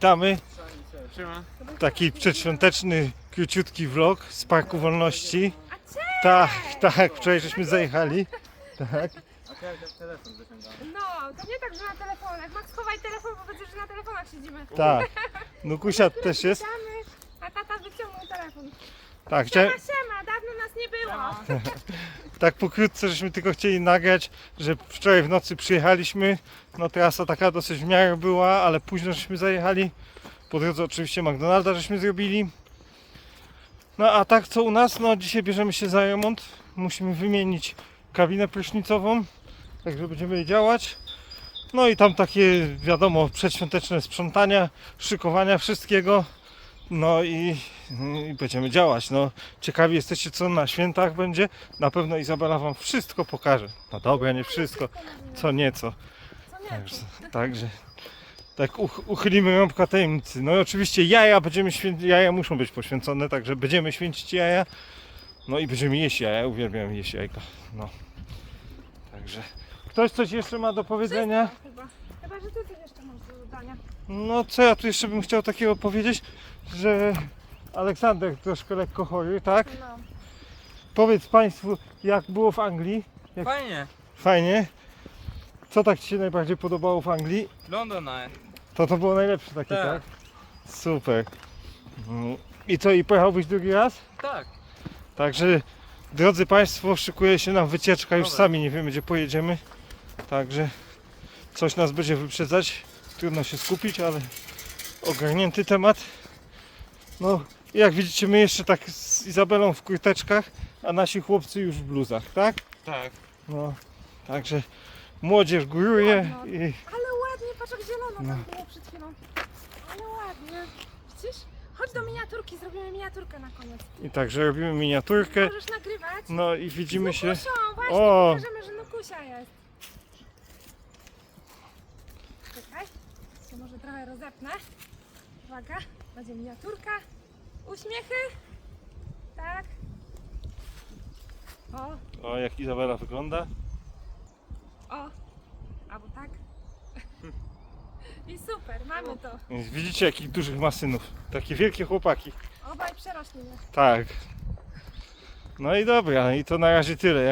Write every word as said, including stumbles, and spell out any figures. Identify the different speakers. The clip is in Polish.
Speaker 1: witamy.
Speaker 2: Siema.
Speaker 1: Taki przedświąteczny, króciutki vlog z Parku Wolności.
Speaker 3: A cześć!
Speaker 1: Tak, tak, wczoraj żeśmy zajechali. Tak.
Speaker 2: A to ja telefon wyciągałem.
Speaker 3: No, to nie tak, że na telefonach. Max, schowaj telefon, bo widzę, że na telefonach siedzimy.
Speaker 1: Tak. Nukusia też jest.
Speaker 3: Witamy, a tata wyciągnął telefon.
Speaker 1: Tak,
Speaker 3: Siema,
Speaker 1: chciałem,
Speaker 3: siema, dawno nas nie było.
Speaker 1: tak pokrótce, żeśmy tylko chcieli nagrać, że wczoraj w nocy przyjechaliśmy. No trasa taka dosyć w miarę była, ale późno żeśmy zajechali. Po drodze oczywiście McDonalda żeśmy zrobili. No a tak co u nas? No dzisiaj bierzemy się za remont. Musimy wymienić kabinę prysznicową, także będziemy jej działać. No i tam takie, wiadomo, przedświąteczne sprzątania, szykowania wszystkiego. No i, i będziemy działać. No, ciekawi jesteście, co na świętach będzie. Na pewno Izabela wam wszystko pokaże. No dobra, nie wszystko, co nieco.
Speaker 3: Co nie?
Speaker 1: Także, także tak uch, uchylimy rąbka tajemnicy. No i oczywiście jaja będziemy święcić, jaja muszą być poświęcone, także będziemy święcić jaja. No i będziemy jeść jaja, uwielbiam jeść jajka. No. Także ktoś coś jeszcze ma do powiedzenia?
Speaker 3: Chyba. Chyba, że ty coś jeszcze masz do dodania.
Speaker 1: No co ja tu jeszcze bym chciał takiego powiedzieć, że Aleksander troszkę lekko chory, tak?
Speaker 3: No.
Speaker 1: Powiedz Państwu, jak było w Anglii? Jak...
Speaker 2: Fajnie.
Speaker 1: Fajnie. Co tak Ci się najbardziej podobało w Anglii?
Speaker 2: London Eye.
Speaker 1: To to było najlepsze takie, tak?
Speaker 2: Tak.
Speaker 1: Super. Mm, I co, i pojechałbyś drugi raz?
Speaker 2: Tak.
Speaker 1: Także, drodzy Państwo, szykuje się nam wycieczka, już
Speaker 2: Dobra.
Speaker 1: sami nie wiemy, gdzie pojedziemy. Także coś nas będzie wyprzedzać. Trudno się skupić, ale ogarnięty temat. No, i jak widzicie, my jeszcze tak z Izabelą w kurteczkach, a nasi chłopcy już w bluzach, tak?
Speaker 2: Tak.
Speaker 1: No, także młodzież góruje
Speaker 3: Ładno.
Speaker 1: i
Speaker 3: Ale ładnie, patrz jak zielono
Speaker 1: No.
Speaker 3: tam było przed chwilą. Ale ładnie. Widzisz? Chodź do miniaturki, zrobimy miniaturkę na koniec.
Speaker 1: I także robimy miniaturkę.
Speaker 3: Możesz nagrywać?
Speaker 1: No i widzimy
Speaker 3: Z
Speaker 1: się.
Speaker 3: Nukusią, właśnie,
Speaker 1: O!
Speaker 3: pokażemy, że Nukusia jest. Czekaj, się może trochę rozepnę. Uwaga, będzie miniaturka. Uśmiechy. Tak. O,
Speaker 1: O, jak Izabela wygląda.
Speaker 3: o. Albo tak. I super, mamy to.
Speaker 1: Więc widzicie, jakich dużych ma synów. Takie wielkie chłopaki.
Speaker 3: Obaj przerośli mnie.
Speaker 1: Tak. No i dobra, i to na razie tyle.